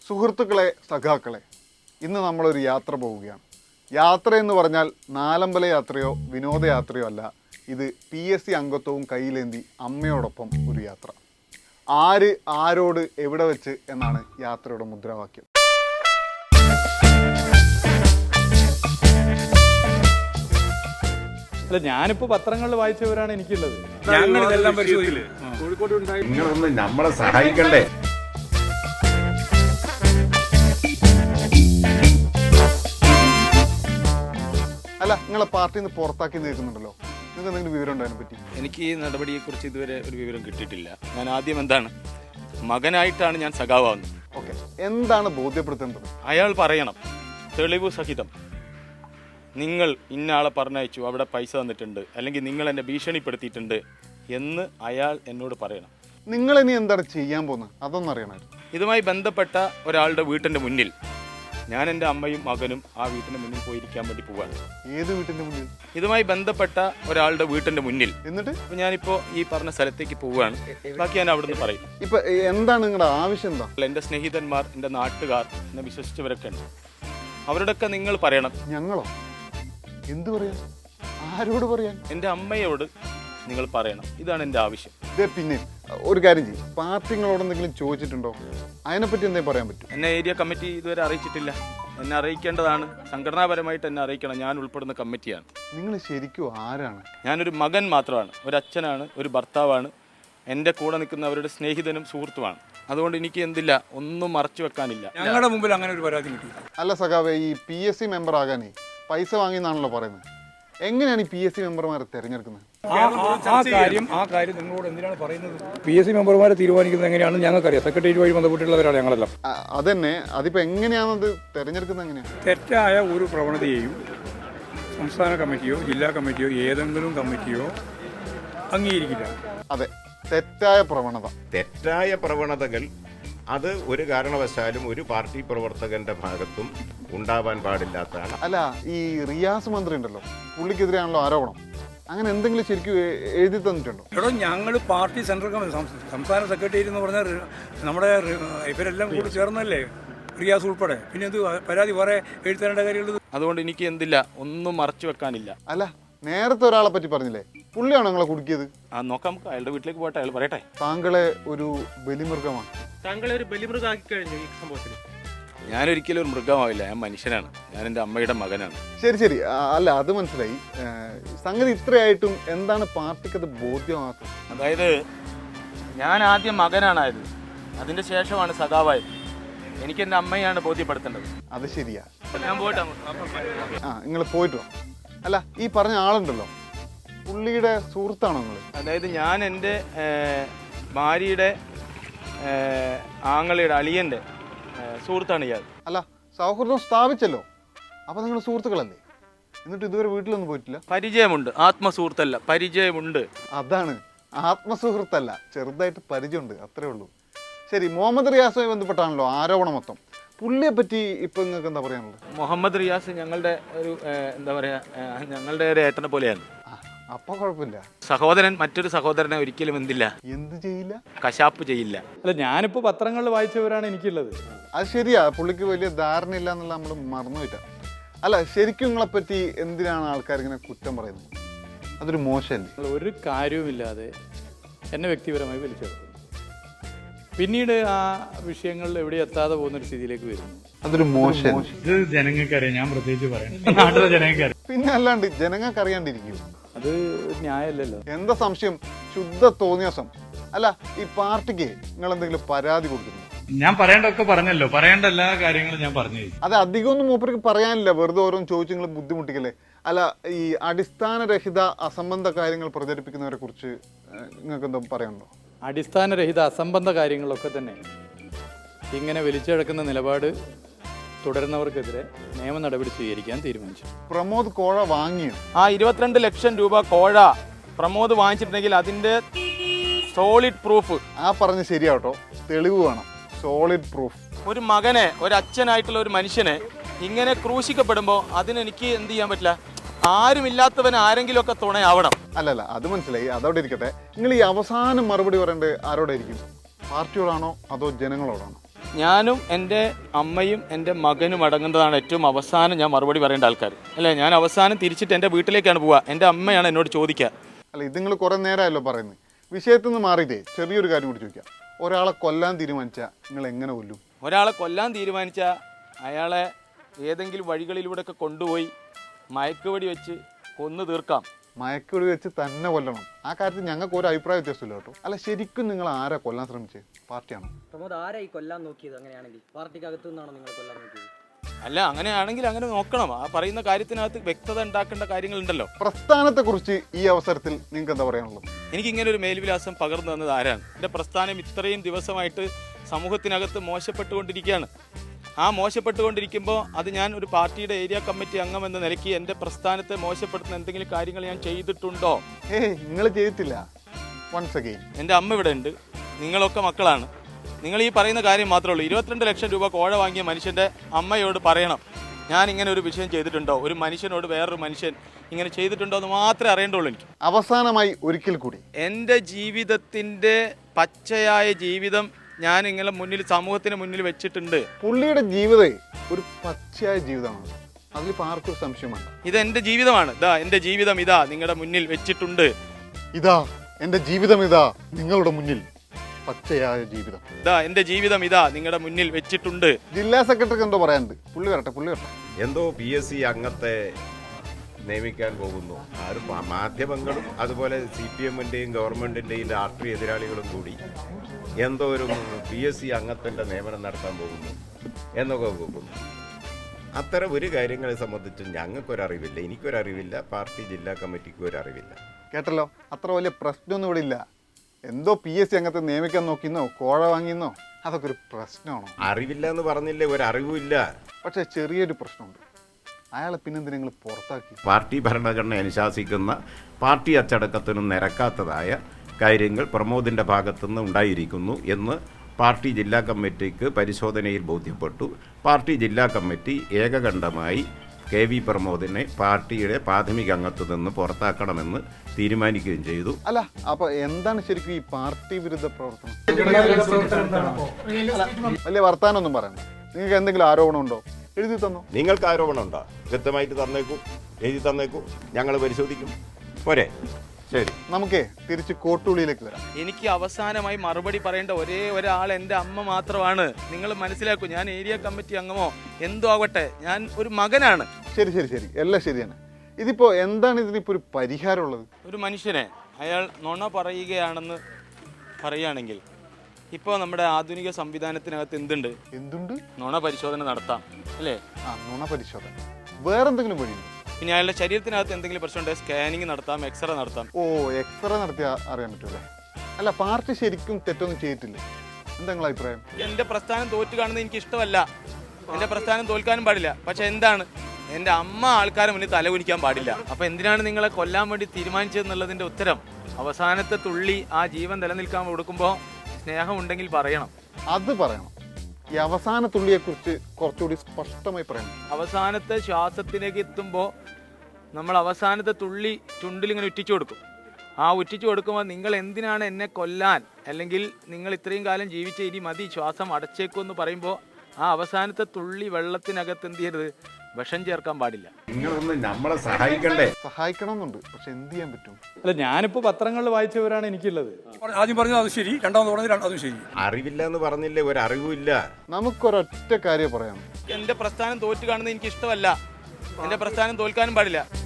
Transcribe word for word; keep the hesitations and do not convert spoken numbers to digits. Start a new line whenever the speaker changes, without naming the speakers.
സുഹൃത്തുക്കളെ, സഖാക്കളെ, ഇന്ന് നമ്മളൊരു യാത്ര പോവുകയാണ്. യാത്ര എന്ന് പറഞ്ഞാൽ നാലമ്പല യാത്രയോ വിനോദയാത്രയോ അല്ല. ഇത് പി എസ് സി അംഗത്വവും കയ്യിലേന്തി അമ്മയോടൊപ്പം ഒരു യാത്ര. ആര് ആരോട് എവിടെ വെച്ച് എന്നാണ് യാത്രയുടെ മുദ്രാവാക്യം.
അല്ല, ഞാനിപ്പോ പത്രങ്ങളിൽ വായിച്ചവരാണ് എനിക്കുള്ളത്.
ഞങ്ങൾ ഇതെല്ലാം പരിശോധിക്കില്ലേ?
നിങ്ങളൊന്ന് നമ്മളെ സഹായിക്കണ്ടേ?
അല്ല, നിങ്ങളെ പാർട്ടിയിൽ നിന്ന് പുറത്താക്കി നിൽക്കുന്നുണ്ടല്ലോ, നിങ്ങൾക്ക് എന്തെങ്കിലും വിവരം ഉണ്ടോ അതിനെ പറ്റി?
എനിക്ക് ഈ നടപടിയെക്കുറിച്ച് ഇതുവരെ ഒരു വിവരം കിട്ടിയിട്ടില്ല. ഞാൻ ആദ്യം എന്താണ് മകനായിട്ടാണ് ഞാൻ സഖാവാകുന്നത്.
ഓക്കെ, എന്താണ് ബോധ്യപ്പെടുത്തേണ്ടത്?
അയാൾ പറയണം തെളിവ് സഹിതം, നിങ്ങൾ ഇന്ന ആളെ പറഞ്ഞയച്ചു, അവിടെ പൈസ തന്നിട്ടുണ്ട്, അല്ലെങ്കിൽ നിങ്ങൾ എന്നെ ഭീഷണിപ്പെടുത്തിയിട്ടുണ്ട് എന്ന് അയാൾ എന്നോട് പറയണം.
നിങ്ങൾ ഇനി എന്താണ് ചെയ്യാൻ പോകുന്നത് അതൊന്നും അറിയണമായിരുന്നു.
ഇതുമായി ബന്ധപ്പെട്ട ഒരാളുടെ വീട്ടിൻ്റെ മുന്നിൽ ഞാൻ എൻ്റെ അമ്മയും മകനും ആ വീട്ടിൻ്റെ മുന്നിൽ പോയിരിക്കാൻ വേണ്ടി പോവാണ്.
ഏത് വീട്ടിന്റെ മുന്നിൽ?
ഇതുമായി ബന്ധപ്പെട്ട ഒരാളുടെ വീട്ടിൻ്റെ മുന്നിൽ.
എന്നിട്ട്
അപ്പോൾ ഞാനിപ്പോൾ ഈ പറഞ്ഞ സ്ഥലത്തേക്ക് പോവുകയാണ്. ബാക്കി ഞാൻ അവിടെ നിന്ന് പറയും.
ഇപ്പൊ എന്താണ് നിങ്ങളുടെ ആവശ്യം? എന്താ?
എൻ്റെ സ്നേഹിതന്മാർ, എൻ്റെ നാട്ടുകാർ, എന്നെ വിശ്വസിച്ചവരൊക്കെ ഉണ്ട്. അവരോടൊക്കെ നിങ്ങൾ പറയണം.
ഞങ്ങളോ? എന്ത് പറയാൻ? ആരോട് പറയാൻ?
എൻ്റെ അമ്മയോട് നിങ്ങൾ പറയണം. ഇതാണ് എൻ്റെ ആവശ്യം.
ഇതേ, പിന്നെ ഒരു കാര്യം ചെയ്യും, പാർട്ടികളോട് എന്തെങ്കിലും ചോദിച്ചിട്ടുണ്ടോ? അതിനെപ്പറ്റി എന്തെങ്കിലും പറയാൻ പറ്റും?
എന്നെ ഏരിയ കമ്മിറ്റി ഇതുവരെ അറിയിച്ചിട്ടില്ല. എന്നെ അറിയിക്കേണ്ടതാണ്. സംഘടനാപരമായിട്ട് എന്നെ അറിയിക്കണം. ഞാൻ ഉൾപ്പെടുന്ന കമ്മിറ്റിയാണ്.
നിങ്ങൾ ശരിക്കും ആരാണ്?
ഞാനൊരു മകൻ മാത്രമാണ്, ഒരു അച്ഛനാണ്, ഒരു ഭർത്താവാണ്, എൻ്റെ കൂടെ നിൽക്കുന്നവരുടെ സ്നേഹിതനും സുഹൃത്തുമാണ്. അതുകൊണ്ട് എനിക്ക് എന്തില്ല, ഒന്നും മറച്ചു വെക്കാനില്ല.
ഞങ്ങളുടെ മുമ്പിൽ അങ്ങനെ ഒരു പരാതി കിട്ടി.
അല്ല സഖാവേ, ഈ പി എസ് സി മെമ്പർ ആകാനേ പൈസ വാങ്ങിയെന്നാണല്ലോ പറയുന്നത്. എങ്ങനെയാണ് ഈ പി എസ് സി മെമ്പർമാരെ തിരഞ്ഞെടുക്കുന്നത്?
ആ കാര്യം ആ കാര്യം നിങ്ങളോട് എന്തിനാണ് പറയുന്നത്? പി എസ് സി മെമ്പർമാരെ തീരുമാനിക്കുന്നത് എങ്ങനെയാണെന്ന് ഞങ്ങൾക്കറിയാം. സെക്രട്ടേറിയറ്റ് വഴി ബന്ധപ്പെട്ടുള്ളവരാണ് ഞങ്ങളെല്ലാം.
അതന്നെ, അതിപ്പോ എങ്ങനെയാണത് തിരഞ്ഞെടുക്കുന്നത്? എങ്ങനെയാണ്?
തെറ്റായ ഒരു പ്രവണതയെയും സംസ്ഥാന കമ്മിറ്റിയോ ജില്ലാ കമ്മിറ്റിയോ ഏതെങ്കിലും കമ്മിറ്റിയോ അംഗീകരിക്കില്ല.
അതെ, തെറ്റായ പ്രവണത.
തെറ്റായ പ്രവണതകൾ അത് ഒരു കാരണവശാലും ഒരു പാർട്ടി പ്രവർത്തകന്റെ ഭാഗത്തും ഉണ്ടാവാൻ പാടില്ലാത്തതാണ്.
അല്ല, ഈ റിയാസ് മന്ത്രി ഉണ്ടല്ലോ, പുള്ളിക്കെതിരെയാണല്ലോ ആരോപണം. അങ്ങനെ എന്തെങ്കിലും ശരിക്കും എഴുതി തന്നിട്ടുണ്ടോ?
എടോ, ഞങ്ങൾ പാർട്ടി സെൻട്രൽ കമ്മിറ്റി സംസ്ഥാന സെക്രട്ടേറിയറ്റ് എന്ന് പറഞ്ഞാൽ നമ്മുടെ ഇവരെല്ലാം കൂടി ചേർന്നല്ലേ, റിയാസ് ഉൾപ്പെടെ. പിന്നെ എന്ത് പരാതി വേറെ എഴുതേണ്ട കാര്യമുള്ളത്?
അതുകൊണ്ട് എനിക്ക് എന്തില്ല, ഒന്നും മറച്ചു വെക്കാനില്ല.
അല്ല, നേരത്തെ ഒരാളെ പറ്റി പറഞ്ഞില്ലേ, പുള്ളിയാണോ നിങ്ങളെ കുടുക്കിയത്?
ആ നോക്കാം, നമുക്ക് അയാളുടെ വീട്ടിലേക്ക് പോട്ടെ, അയാൾ പറയട്ടെ.
താങ്കളെ ഒരു ബലിമൃഗമാണ്.
താങ്കളെ ഒരു ബലിമൃഗമാക്കി കഴിഞ്ഞു ഈ സംഭവത്തിൽ.
ഞാനൊരിക്കലും ഒരു മൃഗമാവില്ല. ഞാൻ മനുഷ്യനാണ്. ഞാൻ എൻ്റെ അമ്മയുടെ മകനാണ്.
ശരി ശരി അല്ല, അത് മനസ്സിലായി. സംഗതി ഇത്രയായിട്ടും എന്താണ് പാർട്ടിക്കത് ബോധ്യമാക്കുന്നത്?
അതായത് ഞാൻ ആദ്യം മകനാണായത്, അതിൻ്റെ ശേഷമാണ് സഖാവായത്. എനിക്ക് എൻ്റെ അമ്മയാണ് ബോധ്യപ്പെടുത്തേണ്ടത്.
അത് ശരിയാ.
ഞാൻ പോയിട്ട്
ആ, നിങ്ങൾ പോയിട്ടോ. അല്ല, ഈ പറഞ്ഞ ആളുണ്ടല്ലോ, പുള്ളിയുടെ സുഹൃത്താണോ നിങ്ങൾ?
അതായത് ഞാൻ എൻ്റെ ഭാര്യയുടെ ആങ്ങളയുടെ അളിയൻ്റെ സുഹൃത്താണ് ഇയാൾ.
അല്ല, സൗഹൃദം സ്ഥാപിച്ചല്ലോ, അപ്പൊ നിങ്ങൾ സുഹൃത്തുക്കളല്ലേ? എന്നിട്ട് ഇതുവരെ വീട്ടിലൊന്നും പോയിട്ടില്ല?
പരിചയമുണ്ട്, ആത്മസുഹൃത്തല്ല, പരിചയമുണ്ട്.
അതാണ്, ആത്മസുഹൃത്തല്ല, ചെറുതായിട്ട് പരിചയമുണ്ട്, അത്രേ ഉള്ളൂ. ശരി, മുഹമ്മദ് റിയാസുമായി ബന്ധപ്പെട്ടാണല്ലോ ആരോപണം മൊത്തം. പുള്ളിയെ പറ്റി ഇപ്പൊ നിങ്ങൾക്ക് എന്താ പറയാനുള്ളത്?
മുഹമ്മദ് റിയാസ് ഞങ്ങളുടെ ഒരു എന്താ പറയാ, ഞങ്ങളുടെ ഒരു ഏട്ടനെ പോലെയാണ്.
അപ്പൊ കുഴപ്പമില്ല.
സഹോദരൻ മറ്റൊരു സഹോദരനെ ഒരിക്കലും എന്തില്ല,
എന്ത് ചെയ്യില്ല,
കശാപ്പ് ചെയ്യില്ല.
അല്ല, ഞാനിപ്പോ പത്രങ്ങളിൽ വായിച്ചവരാണ് എനിക്കുള്ളത്.
അത് ശരിയാ, പുള്ളിക്ക് വലിയ ധാരണയില്ല എന്നുള്ള നമ്മൾ മറന്നുപോയിട്ട. അല്ല, ശരിക്കും നിങ്ങളെ പറ്റി എന്തിനാണ് ആൾക്കാർ ഇങ്ങനെ കുറ്റം പറയുന്നത്? അതൊരു മോശമല്ലേ?
ഒരു കാര്യവുമില്ലാതെ എന്നെ വ്യക്തിപരമായി വലിച്ചെടുക്കുന്നു. പിന്നീട് ആ വിഷയങ്ങളിൽ എവിടെ എത്താതെ പോകുന്ന ഒരു സ്ഥിതിയിലേക്ക് വരുന്നു.
അതൊരു മോശം.
ഇത് ജനങ്ങൾക്കറിയാം, ഞാൻ പ്രത്യേകിച്ച് പറയാം, നാട്ടിലെ ജനങ്ങൾക്കറിയാം.
പിന്നെ അല്ലാണ്ട് ജനങ്ങൾക്ക് അറിയാണ്ടിരിക്കും?
അത് ന്യായമല്ലല്ലോ.
എന്താ സംശയം? ശുദ്ധ തോന്നിയാസം. അല്ല, ഈ പാർട്ടിക്ക് നിങ്ങൾ എന്തെങ്കിലും പരാതി കൊടുക്കുന്നു?
ഞാൻ പറയേണ്ടതൊക്കെ പറഞ്ഞല്ലോ, പറയേണ്ട എല്ലാ കാര്യങ്ങളും ഞാൻ പറഞ്ഞു.
അത് അധികമൊന്നും മൂപ്പർക്ക് പറയാനില്ല, വെറുതെ ഓരോന്ന് ചോദിച്ചു നിങ്ങൾ ബുദ്ധിമുട്ടിക്കല്ലേ. അല്ല, ഈ അടിസ്ഥാനരഹിത അസംബന്ധ കാര്യങ്ങൾ പ്രചരിപ്പിക്കുന്നവരെ കുറിച്ച് നിങ്ങൾക്ക് എന്താ പറയാനുണ്ടോ?
അടിസ്ഥാനരഹിത അസംബന്ധ കാര്യങ്ങളൊക്കെ തന്നെ ഇങ്ങനെ വലിച്ചെടുക്കുന്ന നിലപാട് തുടരുന്നവർക്കെതിരെ നിയമ നടപടി സ്വീകരിക്കാൻ തീരുമാനിച്ചു.
പ്രമോദ് കോഴ വാങ്ങിയോ?
ആ ഇരുപത്തിരണ്ട് ലക്ഷം രൂപ കോഴ പ്രമോദ് വാങ്ങിച്ചിട്ടുണ്ടെങ്കിൽ അതിന്റെ സോളിഡ് പ്രൂഫ്.
ആ പറഞ്ഞ് ശരിയാട്ടോ, തെളിവ് വേണം, സോളിഡ് പ്രൂഫ്.
ഒരു മകനെ, ഒരു അച്ഛനായിട്ടുള്ള ഒരു മനുഷ്യനെ ഇങ്ങനെ ക്രൂശിക്കപ്പെടുമ്പോൾ അതിനെനിക്ക് എന്ത് ചെയ്യാൻ പറ്റില്ല. ആരുമില്ലാത്തവൻ ആരെങ്കിലും ഒക്കെ തുണയാവണം.
അല്ലല്ല, അത് മനസ്സിലായി, അതോടെ ഇരിക്കട്ടെ. നിങ്ങൾ ഈ അവസാനം മറുപടി പറയേണ്ടത് ആരോടായിരിക്കും? പാർട്ടിയോടാണോ അതോ ജനങ്ങളോടാണോ?
ഞാനും എൻ്റെ അമ്മയും എൻ്റെ മകനും അടങ്ങുന്നതാണ് ഏറ്റവും അവസാനം ഞാൻ മറുപടി പറയേണ്ട ആൾക്കാർ അല്ലേ. ഞാൻ അവസാനം തിരിച്ചിട്ട് എൻ്റെ വീട്ടിലേക്കാണ് പോവുക. എൻ്റെ അമ്മയാണ് എന്നോട് ചോദിക്കുക.
അല്ല, ഇത് നിങ്ങൾ കുറേ നേരമല്ലോ പറയുന്നത്. വിഷയത്തിൽ നിന്ന് മാറിയിട്ടേ ചെറിയൊരു കാര്യം കൂടി ചോദിക്കാം. ഒരാളെ കൊല്ലാൻ തീരുമാനിച്ചാൽ നിങ്ങൾ എങ്ങനെ കൊല്ലും?
ഒരാളെ കൊല്ലാൻ തീരുമാനിച്ചാൽ അയാളെ ഏതെങ്കിലും വഴികളിലൂടെയൊക്കെ കൊണ്ടുപോയി മയക്കുവെടി വെച്ച് കൊന്നു തീർക്കാം.
മയക്കുവെടി വെച്ച് തന്നെ കൊല്ലണം. ആ കാര്യത്തിൽ ഞങ്ങൾക്ക് ഒരു അഭിപ്രായ വ്യത്യാസമില്ല കേട്ടോ. അല്ല, ശരിക്കും നിങ്ങൾ ആരാ കൊല്ലാൻ ശ്രമിച്ചത്? പാർട്ടിയാണോ?
പ്രമോദ് ആരായി കൊല്ലാൻ നോക്കിയത്? അങ്ങനെയാണെങ്കിൽ പാർട്ടിക്കകത്തു നിന്നാണോ നിങ്ങൾ കൊല്ലാൻ നോക്കിയത്?
അല്ല, അങ്ങനെയാണെങ്കിൽ അങ്ങനെ നോക്കണം. ആ പറയുന്ന കാര്യത്തിനകത്ത് വ്യക്തത ഉണ്ടാക്കേണ്ട കാര്യങ്ങളുണ്ടല്ലോ.
പ്രസ്ഥാനത്തെക്കുറിച്ച് ഈ അവസരത്തിൽ നിങ്ങൾക്ക് എന്താ പറയാനുള്ളത്?
എനിക്കിങ്ങനെ ഒരു മേൽവിലാസം പകർന്നു തന്നത് ആരാണ്? എൻ്റെ പ്രസ്ഥാനം ഇത്രയും ദിവസമായിട്ട് സമൂഹത്തിനകത്ത് മോശപ്പെട്ടുകൊണ്ടിരിക്കുകയാണ്. ആ മോശപ്പെട്ടുകൊണ്ടിരിക്കുമ്പോൾ അത് ഞാൻ ഒരു പാർട്ടിയുടെ ഏരിയ കമ്മിറ്റി അംഗം എന്ന നിലയ്ക്ക് എൻ്റെ പ്രസ്ഥാനത്തെ മോശപ്പെടുത്തുന്ന എന്തെങ്കിലും കാര്യങ്ങൾ ഞാൻ ചെയ്തിട്ടുണ്ടോ?
ഏയ്, നിങ്ങൾ ചെയ്തിട്ടില്ല. വൺസ് അഗെയിൻ
എൻ്റെ അമ്മ ഇവിടെ ഉണ്ട്, നിങ്ങളൊക്കെ മക്കളാണ്. നിങ്ങൾ ഈ പറയുന്ന കാര്യം മാത്രമേ ഉള്ളൂ. ഇരുപത്തിരണ്ട് ലക്ഷം രൂപ കോഴ വാങ്ങിയ മനുഷ്യൻ്റെ അമ്മയോട് പറയണം ഞാൻ ഇങ്ങനെ ഒരു വിഷയം ചെയ്തിട്ടുണ്ടോ, ഒരു മനുഷ്യനോട് വേറൊരു മനുഷ്യൻ ഇങ്ങനെ ചെയ്തിട്ടുണ്ടോ എന്ന് മാത്രമേ അറിയേണ്ടുള്ളൂ എനിക്ക്.
അവസാനമായി ഒരിക്കൽ കൂടി
എൻ്റെ ജീവിതത്തിൻ്റെ പച്ചയായ ജീവിതം ഞാൻ ഇങ്ങനെ മുന്നിൽ സമൂഹത്തിന് മുന്നിൽ വെച്ചിട്ടുണ്ട്.
പുള്ളിയുടെ ജീവിതം ഒരു പച്ചയായ ജീവിതമാണ്. അതിലിപ്പോൾ ആർക്കും ഒരു സംശയം വേണ്ട.
ഇത് എൻ്റെ ജീവിതമാണ്. ഇതാ എൻ്റെ ജീവിതം, ഇതാ നിങ്ങളുടെ മുന്നിൽ വെച്ചിട്ടുണ്ട്.
ഇതാ എൻ്റെ ജീവിതം, ഇതാ നിങ്ങളുടെ മുന്നിൽ പച്ചയായ ജീവിതം.
ഇതാ എൻ്റെ ജീവിതം, ഇതാ നിങ്ങളുടെ മുന്നിൽ വെച്ചിട്ടുണ്ട്.
ജില്ലാ സെക്രട്ടറിക്ക് എന്തോ പറയാനുണ്ട്. പുള്ളി വരട്ടെ, പുള്ളി വരട്ടെ.
എന്തോ പി എസ് സി അംഗത്തെ നിയമിക്കാൻ പോകുന്നു. ആരും മാധ്യമങ്ങളും അതുപോലെ സി പി എമ്മിൻ്റെയും ഗവൺമെൻറ്റിൻ്റെയും രാഷ്ട്രീയ എതിരാളികളും കൂടി എന്തോ ഒരു പി എസ് സി അംഗത്തിൻ്റെ നിയമനം നടത്താൻ പോകുന്നു എന്നൊക്കെ പോകുന്നു. അത്തരം ഒരു കാര്യങ്ങളെ സംബന്ധിച്ച് ഞങ്ങൾക്കൊരറിവില്ല, എനിക്കൊരറിവില്ല, പാർട്ടി ജില്ലാ കമ്മിറ്റിക്കും ഒരറിവില്ല.
കേട്ടല്ലോ, അത്ര വലിയ പ്രശ്നമൊന്നും ഇവിടെ ഇല്ല. എന്തോ പി എസ് സി അംഗത്തെ നിയമിക്കാൻ നോക്കിയെന്നോ കോഴ വാങ്ങിയെന്നോ അതൊക്കെ ഒരു പ്രശ്നമാണോ?
അറിവില്ല എന്ന് പറഞ്ഞില്ലേ, ഒരറിവുമില്ല.
പക്ഷേ ചെറിയൊരു പ്രശ്നമുണ്ട്. അയാളെ പിന്നെന്തിനാ നിങ്ങൾ പുറത്താക്കി?
പാർട്ടി ഭരണഘടന അനുശാസിക്കുന്ന പാർട്ടി അച്ചടക്കത്തിനും നിരക്കാത്തതായ കാര്യങ്ങൾ പ്രമോദിൻ്റെ ഭാഗത്തുനിന്ന് ഉണ്ടായിരിക്കുന്നു എന്ന് പാർട്ടി ജില്ലാ കമ്മിറ്റിക്ക് പരിശോധനയിൽ ബോധ്യപ്പെട്ടു. പാർട്ടി ജില്ലാ കമ്മിറ്റി ഏകകണ്ഠമായി കെ വി പ്രമോദിനെ പാർട്ടിയുടെ പ്രാഥമിക അംഗത്തു നിന്ന് പുറത്താക്കണമെന്ന് തീരുമാനിക്കുകയും ചെയ്തു.
അല്ല, അപ്പൊ എന്താണ് ശരിക്കും ഈ പാർട്ടി വിരുദ്ധ പ്രവർത്തനം? വലിയ വർത്താനൊന്നും പറയണ്ട. നിങ്ങൾക്ക് എന്തെങ്കിലും ആരോപണം ഉണ്ടോ? എഴുതി തന്നോ.
നിങ്ങൾക്ക് ആരോപണം ഉണ്ടോ? കൃത്യമായിട്ട് തന്നേക്കൂ, എഴുതി തന്നേക്കൂ, ഞങ്ങൾ പരിശോധിക്കും. പോരെ? ശരി,
നമുക്കേ തിരിച്ച് കോട്ടുള്ളിയിലേക്ക് വരാം.
എനിക്ക് അവസാനമായി മറുപടി പറയേണ്ട ഒരേ ഒരാൾ എൻ്റെ അമ്മ മാത്രമാണ്. നിങ്ങൾ മനസ്സിലാക്കൂ, ഞാൻ ഏരിയ കമ്മിറ്റി അംഗമോ എന്തോ ആവട്ടെ, ഞാൻ ഒരു മകനാണ്.
ശരി ശരി ശരി എല്ലാം ശരിയാണ്. ഇതിപ്പോ എന്താണ് ഇതിനിപ്പോ ഒരു പരിഹാരമുള്ളത്?
ഒരു മനുഷ്യനെ അയാൾ നുണ പറയുകയാണെന്ന് പറയുകയാണെങ്കിൽ ഇപ്പോൾ നമ്മുടെ ആധുനിക സംവിധാനത്തിനകത്ത് എന്തുണ്ട്?
എന്തുണ്ട്?
നുണ പരിശോധന നടത്താം അല്ലേ?
ആ, നുണ പരിശോധന. വേറെന്തെങ്കിലും വഴിയുണ്ടോ?
പിന്നെ അയാളുടെ ശരീരത്തിനകത്ത് എന്തെങ്കിലും പ്രശ്നമുണ്ടെങ്കിൽ സ്കാനിങ് നടത്താം, എക്സ്റേ നടത്താം.
ഓ, എക്സ്റേ നടത്തിയാൽ അറിയാൻ പറ്റൂലേ? അല്ല, പാർട്ടി ശരിക്കും തെറ്റൊന്നും ചെയ്തിട്ടില്ലേ? എന്താ നിങ്ങളെ അഭിപ്രായം?
എൻ്റെ പ്രസ്ഥാനം തോറ്റു കാണുന്നത് എനിക്ക് ഇഷ്ടമല്ല. എൻ്റെ പ്രസ്ഥാനം തോൽക്കാനും പാടില്ല. പക്ഷെ എന്താണ്, എൻ്റെ അമ്മ ആൾക്കാരെ മുന്നിൽ തലകുനിക്കാൻ പാടില്ല. അപ്പോൾ എന്തിനാണ് നിങ്ങളെ കൊല്ലാൻ വേണ്ടി തീരുമാനിച്ചതെന്നുള്ളതിൻ്റെ ഉത്തരം അവസാനത്തെ തുള്ളി ആ ജീവൻ നിലനിൽക്കാൻ കൊടുക്കുമ്പോൾ സ്നേഹം ഉണ്ടെങ്കിൽ പറയണം.
അത് പറയണം. ഈ അവസാന തുള്ളിയെക്കുറിച്ച് കുറച്ചുകൂടി സ്പഷ്ടമായി പറയണം.
അവസാനത്തെ ശ്വാസത്തിലേക്ക് എത്തുമ്പോൾ നമ്മൾ അവസാനത്തെ തുള്ളി ചുണ്ടിലിങ്ങനെ ഉറ്റിച്ചു കൊടുക്കും. ആ ഉറ്റിച്ചു കൊടുക്കുമ്പോൾ നിങ്ങൾ എന്തിനാണ് എന്നെ കൊല്ലാൻ, അല്ലെങ്കിൽ നിങ്ങൾ ഇത്രയും കാലം ജീവിച്ച ഇനി മതി, ശ്വാസം അടച്ചേക്കും എന്ന് പറയുമ്പോൾ ആ അവസാനത്തെ തുള്ളി വെള്ളത്തിനകത്ത് എന്ത് ചെയ്യരുത്, വിഷം ചേർക്കാൻ പാടില്ല.
നിങ്ങളൊന്ന് നമ്മളെ സഹായിക്കണ്ടേ?
സഹായിക്കണമെന്നുണ്ട്, പക്ഷെ എന്ത് ചെയ്യാൻ പറ്റും?
അല്ല, ഞാനിപ്പോൾ പത്രങ്ങളിൽ വായിച്ചവരാണ് എനിക്കുള്ളത്.
ആദ്യം പറഞ്ഞത് അത് ശരി, രണ്ടാമത് പറഞ്ഞത് അതും ശരി.
അറിവില്ല എന്ന് പറഞ്ഞില്ലേ, ഒരറിവുമില്ല.
നമുക്കൊരൊറ്റ കാര്യം പറയാം.
എൻ്റെ പ്രസ്ഥാനം തോറ്റു കാണുന്നത് എനിക്ക് ഇഷ്ടമല്ല. എൻ്റെ പ്രസ്ഥാനം തോൽക്കാനും പാടില്ല.